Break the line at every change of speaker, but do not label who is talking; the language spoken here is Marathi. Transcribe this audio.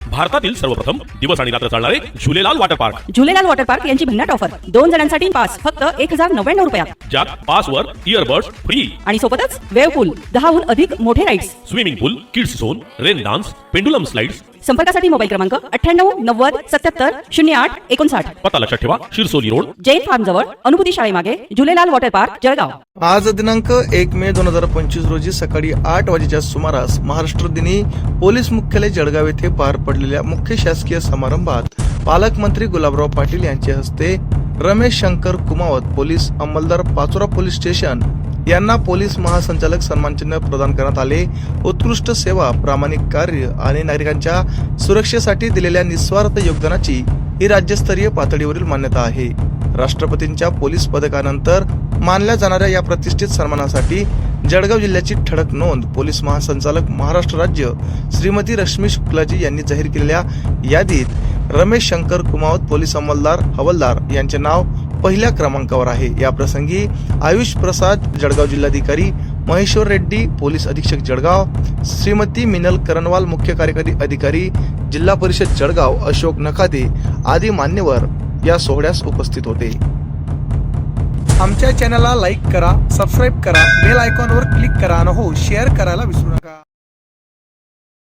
भारतातील सर्वप्रथम दिवस आणि रात्र चालणारे Jhulelal water park.
Jhulelal water park यांची भन्नाट ऑफर 2 जणांसाठी पास फक्त 1099 रुपयात,
ज्यात पासवर इयरबड्स फ्री
आणि सोबतच वेव पूल, 10हून अधिक मोठे rides,
swimming pool, kids zone, rain dance, pendulum slides.
संपर्कासाठी मोबाईल क्रमांक 98 90 77 08 59.
पत्ता लक्षात ठेवा, शिरसोली रोड,
जैन फार्म जवळ, अनुभूती शाळेमागे, झुलेलाल वॉटर पार्क, जळगाव.
आज दिनांक 1 मे 2025 रोजी सकाळी 8 वाजेच्या सुमारास महाराष्ट्र दिनी पोलीस मुख्यालय जळगाव येथे पार पडलेल्या मुख्य शासकीय समारंभात पालकमंत्री गुलाबराव पाटील यांच्या हस्ते रमेश शंकर कुमावत, पोलीस अंमलदार, पाचोरा पोलीस स्टेशन यांना पोलीस महासंचालक सन्मान चिन्ह प्रदान करण्यात आले. उत्कृष्ट सेवा, प्रामाणिक कार्य आणि नागरिकांच्या सुरक्षेसाठी दिलेल्या निस्वार्थ योगदानाची ही राज्यस्तरीय पातळीवरील मान्यता आहे. राष्ट्रपतींच्या पोलीस पदकानंतर मानल्या जाणाऱ्या या प्रतिष्ठित सन्मानासाठी जळगाव जिल्ह्याची ठळक नोंद पोलीस महासंचालक महाराष्ट्र राज्य श्रीमती रश्मी शुक्लाजी यांनी जाहीर केलेल्या यादीत रमेश शंकर कुमावत, पोलीस अंमलदार, हवालदार यांचे नाव पहिल्या क्रमांकावर आहे. या प्रसंगी आयुष प्रसाद, जळगाव जिल्हाधिकारी, महेश्वर रेड्डी, पोलीस अधीक्षक जळगाव, श्रीमती मिनल करनवाल, मुख्य कार्यकारी अधिकारी, जिल्हा परिषद जळगाव, अशोक नखादे आदी मान्यवर या सोहळ्यास उपस्थित होते.
आमच्या चॅनलला लाईक करा, सबस्क्राईब करा, बेल आयकॉनवर क्लिक करा आणि हो शेअर करायला विसरू नका.